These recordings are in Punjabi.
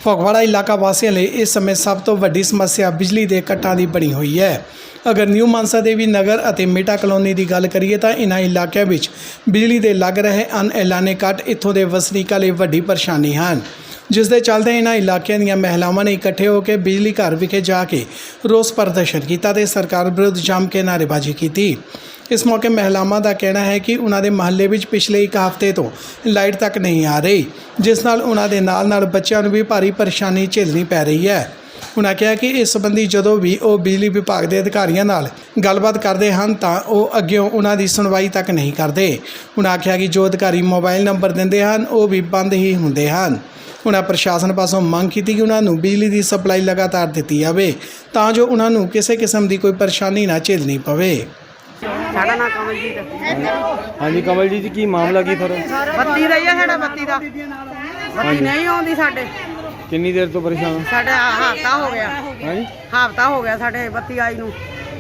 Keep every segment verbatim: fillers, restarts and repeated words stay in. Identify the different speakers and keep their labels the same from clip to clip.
Speaker 1: ਫਗਵਾੜਾ ਇਲਾਕਾ ਵਾਸੀਆਂ ਲਈ ਇਸ ਸਮੇਂ ਸਭ ਤੋਂ ਵੱਡੀ ਸਮੱਸਿਆ ਬਿਜਲੀ ਦੇ ਕੱਟਾਂ ਦੀ ਬਣੀ ਹੋਈ ਹੈ। ਅਗਰ ਨਿਊ ਮਾਨਸਾ ਦੇਵੀ ਨਗਰ ਅਤੇ ਮੇਟਾ ਕਲੋਨੀ ਦੀ ਗੱਲ ਕਰੀਏ ਤਾਂ ਇਨ੍ਹਾਂ ਇਲਾਕਿਆਂ ਵਿੱਚ ਬਿਜਲੀ ਦੇ ਲੱਗ ਰਹੇ ਅਣਐਲਾਨੇ ਕੱਟ ਇੱਥੋਂ ਦੇ ਵਸਨੀਕਾਂ ਲਈ ਵੱਡੀ ਪਰੇਸ਼ਾਨੀ ਹਨ, ਜਿਸ ਦੇ ਚੱਲਦੇ ਇਨ੍ਹਾਂ ਇਲਾਕਿਆਂ ਦੀਆਂ ਮਹਿਲਾਵਾਂ ਨੇ ਇਕੱਠੇ ਹੋ ਕੇ ਬਿਜਲੀ ਘਰ ਵਿਖੇ ਜਾ ਕੇ ਰੋਸ ਪ੍ਰਦਰਸ਼ਨ ਕੀਤਾ ਤੇ ਸਰਕਾਰ ਵਿਰੁੱਧ ਜੰਮ ਕੇ ਨਾਅਰੇਬਾਜ਼ੀ ਕੀਤੀ। ਇਸ ਮੌਕੇ ਮਹਿਲਾਵਾਂ ਦਾ ਕਹਿਣਾ ਹੈ ਕਿ ਉਹਨਾਂ ਦੇ ਮਹੱਲੇ ਵਿੱਚ ਪਿਛਲੇ ਇੱਕ ਹਫ਼ਤੇ ਤੋਂ ਲਾਈਟ ਤੱਕ ਨਹੀਂ ਆ ਰਹੀ, ਜਿਸ ਨਾਲ ਉਹਨਾਂ ਦੇ ਨਾਲ ਨਾਲ ਬੱਚਿਆਂ ਨੂੰ ਵੀ ਭਾਰੀ ਪਰੇਸ਼ਾਨੀ ਝੇਲਣੀ ਪੈ ਰਹੀ ਹੈ। ਉਹਨਾਂ ਕਿਹਾ ਕਿ ਇਸ ਸੰਬੰਧੀ ਜਦੋਂ ਵੀ ਉਹ ਬਿਜਲੀ ਵਿਭਾਗ ਦੇ ਅਧਿਕਾਰੀਆਂ ਨਾਲ ਗੱਲਬਾਤ ਕਰਦੇ ਹਨ ਤਾਂ ਉਹ ਅੱਗਿਓਂ ਉਹਨਾਂ ਦੀ ਸੁਣਵਾਈ ਤੱਕ ਨਹੀਂ ਕਰਦੇ। ਉਹਨਾਂ ਆਖਿਆ ਕਿ ਜੋ ਅਧਿਕਾਰੀ ਮੋਬਾਈਲ ਨੰਬਰ ਦਿੰਦੇ ਹਨ ਉਹ ਵੀ ਬੰਦ ਹੀ ਹੁੰਦੇ ਹਨ। ਉਹਨਾਂ ਪ੍ਰਸ਼ਾਸਨ ਪਾਸੋਂ ਮੰਗ ਕੀਤੀ ਕਿ ਉਹਨਾਂ ਨੂੰ ਬਿਜਲੀ ਦੀ ਸਪਲਾਈ ਲਗਾਤਾਰ ਦਿੱਤੀ ਜਾਵੇ ਤਾਂ ਜੋ ਉਹਨਾਂ ਨੂੰ ਕਿਸੇ ਕਿਸਮ ਦੀ ਕੋਈ ਪਰੇਸ਼ਾਨੀ ਨਾ ਝੇਲਣੀ ਪਵੇ।
Speaker 2: ਸਾਡਾ ਨਾਮ ਕਮਲਜੀਤ ਹੈ।
Speaker 3: ਹਾਂਜੀ ਕਮਲਜੀਤ ਜੀ, ਕੀ ਮਾਮਲਾ ਕੀ ਫਿਰ?
Speaker 2: ਬੱਤੀ ਦਾ ਹੀ ਆ ਸਾਡਾ, ਬੱਤੀ ਦਾ ਬੱਤੀ ਨਹੀਂ ਆਉਂਦੀ ਸਾਡੇ।
Speaker 3: ਕਿੰਨੀ ਦੇਰ ਤੋਂ ਪਰੇਸ਼ਾਨ?
Speaker 2: ਸਾਡਾ ਹਫ਼ਤਾ ਹੋ ਗਿਆ।
Speaker 3: ਹਾਂਜੀ,
Speaker 2: ਹਫ਼ਤਾ ਹੋ ਗਿਆ ਸਾਡੇ ਬੱਤੀ ਆਈ ਨੂੰ।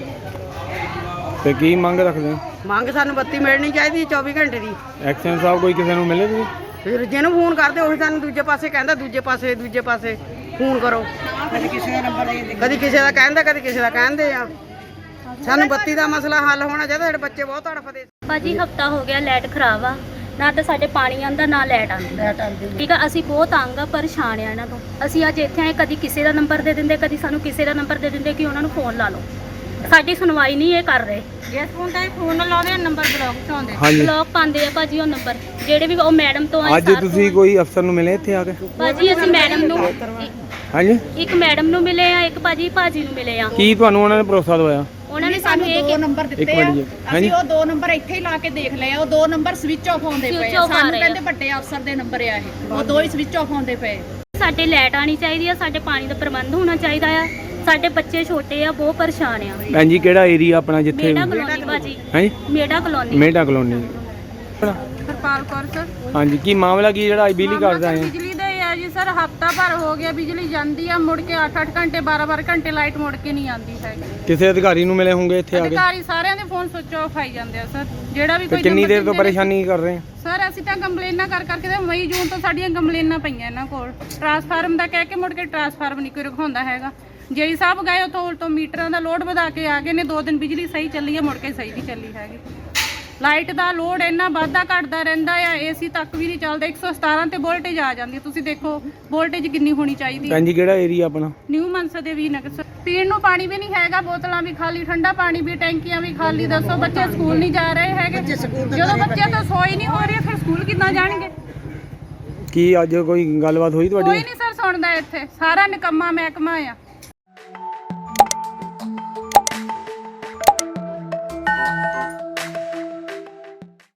Speaker 3: ਤੇ ਕੀ ਮੰਗ ਰੱਖਦੇ ਹੋ?
Speaker 2: ਮੰਗ ਸਾਨੂੰ ਬੱਤੀ ਮਿਲਣੀ ਚਾਹੀਦੀ ਚੌਵੀ ਘੰਟੇ ਦੀ।
Speaker 3: ਐਕਸ਼ਨ ਸਾਹਿਬ ਕੋਈ ਕਿਸੇ ਨੂੰ ਮਿਲੇ ਤੁਸੀਂ?
Speaker 2: ਫਿਰ ਜਿਹਨੂੰ ਫੋਨ ਕਰਦੇ ਉਹੀ ਸਾਨੂੰ ਦੂਜੇ ਪਾਸੇ ਕਹਿੰਦਾ, ਦੂਜੇ ਪਾਸੇ ਦੂਜੇ ਪਾਸੇ ਫੋਨ ਕਰੋ। ਕਦੀ ਕਿਸੇ ਦਾ ਨੰਬਰ ਦੇ ਕਦੀ ਕਿਸੇ ਦਾ ਕਹਿੰਦਾ, ਕਦੀ ਕਿਸੇ ਦਾ ਕਹਿੰਦੇ ਆ। ਸਾਨੂੰ ਬੱਤੀ ਦਾ ਮਸਲਾ ਹੱਲ ਹੋਣਾ ਚਾਹੀਦਾ, ਸਾਡੇ ਬੱਚੇ ਬਹੁਤ ਤੜਫਦੇ।
Speaker 4: ਭਾਜੀ ਹਫਤਾ ਹੋ ਗਿਆ, ਲਾਈਟ ਖਰਾਬ ਆ, ਨਾ ਤਾਂ ਸਾਡੇ ਪਾਣੀ ਆਉਂਦਾ ਨਾ ਲਾਈਟ ਆਉਂਦੀ। ਠੀਕ ਆ, ਅਸੀਂ ਬਹੁਤ ਤੰਗ ਆ, ਪਰੇਸ਼ਾਨ ਆ ਇਹਨਾਂ ਤੋਂ। ਅਸੀਂ ਅੱਜ ਇੱਥੇ ਆਏ, ਕਦੀ ਕਿਸੇ ਦਾ ਨੰਬਰ ਦੇ ਦਿੰਦੇ, ਕਦੀ ਸਾਨੂੰ ਕਿਸੇ ਦਾ ਨੰਬਰ ਦੇ ਦਿੰਦੇ ਕਿ ਉਹਨਾਂ ਨੂੰ ਫੋਨ ਲਾ ਲਓ। ਸਾਡੀ ਸੁਣਵਾਈ ਨਹੀਂ ਇਹ ਕਰ ਰਹੇ। ਜਿਸ ਫੋਨ ਤੇ ਫੋਨ ਲਾਉਂਦੇ ਨੰਬਰ ਬਲੌਕ ਤੋਂ ਆਉਂਦੇ, ਬਲੌਕ ਪਾਉਂਦੇ ਆ ਭਾਜੀ ਉਹ ਨੰਬਰ ਜਿਹੜੇ ਵੀ ਉਹ ਮੈਡਮ ਤੋਂ ਆਏ।
Speaker 3: ਅੱਜ ਤੁਸੀਂ ਕੋਈ ਅਫਸਰ ਨੂੰ ਮਿਲੇ ਇੱਥੇ ਆ ਕੇ?
Speaker 4: ਭਾਜੀ ਅਸੀਂ ਮੈਡਮ ਨੂੰ,
Speaker 3: ਹਾਂਜੀ,
Speaker 4: ਇੱਕ ਮੈਡਮ ਨੂੰ ਮਿਲੇ ਆ, ਇੱਕ ਭਾਜੀ ਭਾਜੀ ਨੂੰ ਮਿਲੇ ਆ।
Speaker 3: ਕੀ ਤੁਹਾਨੂੰ ਉਹਨਾਂ ਨੇ ਭਰੋਸਾ ਦਵਾਇਆ?
Speaker 4: ਉਹਨਾਂ ਨੇ ਸਾਨੂੰ ਇਹ
Speaker 5: ਦੋ ਨੰਬਰ ਦਿੱਤੇ ਆ। ਅਸੀਂ ਉਹ ਦੋ ਨੰਬਰ ਇੱਥੇ ਹੀ ਲਾ ਕੇ ਦੇਖ ਲਏ ਆ। ਉਹ ਦੋ ਨੰਬਰ ਸਵਿਚ ਆਫ ਆਉਂਦੇ ਪਏ ਆ। ਸਾਨੂੰ ਕਹਿੰਦੇ ਵੱਡੇ ਅਫਸਰ ਦੇ ਨੰਬਰ ਆ ਇਹ, ਉਹ ਦੋ ਹੀ ਸਵਿਚ ਆਫ ਆਉਂਦੇ ਪਏ।
Speaker 4: ਸਾਡੇ ਲਾਈਟ ਆਣੀ ਚਾਹੀਦੀ ਆ, ਸਾਡੇ ਪਾਣੀ ਦਾ ਪ੍ਰਬੰਧ ਹੋਣਾ ਚਾਹੀਦਾ ਆ। ਸਾਡੇ ਬੱਚੇ ਛੋਟੇ ਆ, ਬਹੁਤ ਪਰੇਸ਼ਾਨ ਆ।
Speaker 3: ਭੈਣ ਜੀ ਕਿਹੜਾ ਏਰੀਆ ਆਪਣਾ ਜਿੱਥੇ?
Speaker 4: ਮੇਟਾ ਕਲੋਨੀ ਭਾਜੀ।
Speaker 3: ਹਾਂਜੀ,
Speaker 4: ਮੇਟਾ ਕਲੋਨੀ।
Speaker 3: ਮੇਟਾ ਕਲੋਨੀ।
Speaker 6: ਹਰਪਾਲ ਕੌਰ ਸਰ।
Speaker 3: ਹਾਂਜੀ, ਕੀ ਮਾਮਲਾ ਕੀ ਜਿਹੜਾ ਅੱਜ ਬਿਜਲੀ ਘਰ ਆਏ?
Speaker 6: ਬਿਜਲੀ ਦਾ ਹੀ ਆ ਜੀ ਸਰ, ਹਫਤਾ ਭਰ ਹੋ ਗਿਆ ਬਿਜਲੀ ਜਾਂਦੀ ਆ, ਮੁੜ ਕੇ ਅੱਠ ਅੱਠ ਘੰਟੇ ਬਾਰਾਂ ਬਾਰਾਂ ਘੰਟੇ ਲਾਈਟ ਮੁੜ ਕੇ ਨਹੀਂ ਆਉਂਦੀ ਹੈਗੀ।
Speaker 3: ਕਿਸੇ ਅਧਿਕਾਰੀ ਨੂੰ ਮਿਲੇ ਹੋਣਗੇ ਇੱਥੇ ਆ ਕੇ?
Speaker 6: ਅਧਿਕਾਰੀ ਸਾਰਿਆਂ ਦੇ ਫੋਨ ਸੁੱਚ ਆਫ ਆਈ ਜਾਂਦੇ ਆ ਸਰ। ਜਿਹੜਾ ਵੀ ਕੋਈ
Speaker 3: ਕਿੰਨੀ ਦੇਰ ਤੋਂ ਪਰੇਸ਼ਾਨੀ ਕਰ ਰਹੇ ਆ
Speaker 6: ਸਰ? ਅਸੀਂ ਤਾਂ ਕੰਪਲੇਨਾਂ ਕਰ ਕਰਕੇ ਤੇ ਮਈ ਜੂਨ ਤੋਂ ਸਾਡੀਆਂ ਕੰਪਲੇਨਾਂ ਪਈਆਂ ਇਹਨਾਂ ਕੋਲ। ਟਰਾਂਸਫਾਰਮ ਦਾ ਕਹਿ ਕੇ ਮੁੜ ਕੇ ਟਰਾਂਸਫਾਰਮ ਨਹੀਂ ਕੋਈ ਰਖਾਉਂਦਾ ਹੈਗਾ। ਜੇਈ ਸਾਹਿਬ ਗਏ ਉੱਥੋਂ ਉਲਟੋਂ ਮੀਟਰਾਂ ਦਾ ਲੋਡ ਵਧਾ ਕੇ ਆ ਗਏ ਨੇ। ਦੋ ਦਿਨ ਬਿਜਲੀ ਸਹੀ ਚੱਲੀ ਹੈ, ਮੁੜ ਕੇ ਸਹੀ ਨਹੀਂ ਚੱਲੀ ਹੈਗੀ। ਲਾਈਟ ਦਾ ਲੋਡ ਇੰਨਾ ਵੱਧਦਾ ਘਟਦਾ ਰਹਿੰਦਾ ਆ, ਏਸੀ ਤੱਕ ਵੀ ਨਹੀਂ ਚੱਲਦਾ। ਇੱਕ ਸੌ ਸਤਾਰਾਂ ਤੇ ਵੋਲਟੇਜ ਆ ਜਾਂਦੀ ਹੈ। ਤੁਸੀਂ ਦੇਖੋ ਵੋਲਟੇਜ ਕਿੰਨੀ ਹੋਣੀ ਚਾਹੀਦੀ ਹੈ।
Speaker 3: ਭੈਣ ਜੀ ਕਿਹੜਾ ਏਰੀਆ ਆਪਣਾ?
Speaker 6: ਨਿਊ ਮਾਨਸਾ ਦੇਵੀ ਨਗਰ। ਪੀਣ ਨੂੰ ਪਾਣੀ ਵੀ ਨਹੀਂ ਹੈਗਾ, ਬੋਤਲਾਂ ਵੀ ਖਾਲੀ, ਠੰਡਾ ਪਾਣੀ ਵੀ, ਟੈਂਕੀਆਂ ਵੀ ਖਾਲੀ। ਦੱਸੋ ਬੱਚੇ ਸਕੂਲ ਨਹੀਂ ਜਾ ਰਹੇ ਹੈਗੇ। ਜਦੋਂ ਬੱਚਿਆਂ ਤੋਂ ਸੋਈ ਨਹੀਂ ਹੋ ਰਹੀ ਫਿਰ ਸਕੂਲ ਕਿੱਦਾਂ ਜਾਣਗੇ?
Speaker 3: ਕੀ ਅੱਜ ਕੋਈ ਗੱਲਬਾਤ ਹੋਈ ਤੁਹਾਡੀ?
Speaker 6: ਕੋਈ ਨਹੀਂ ਸਰ ਸੁਣਦਾ ਇੱਥੇ, ਸਾਰਾ ਨਿਕੰਮਾ ਮਹਿਕਮਾ ਆ।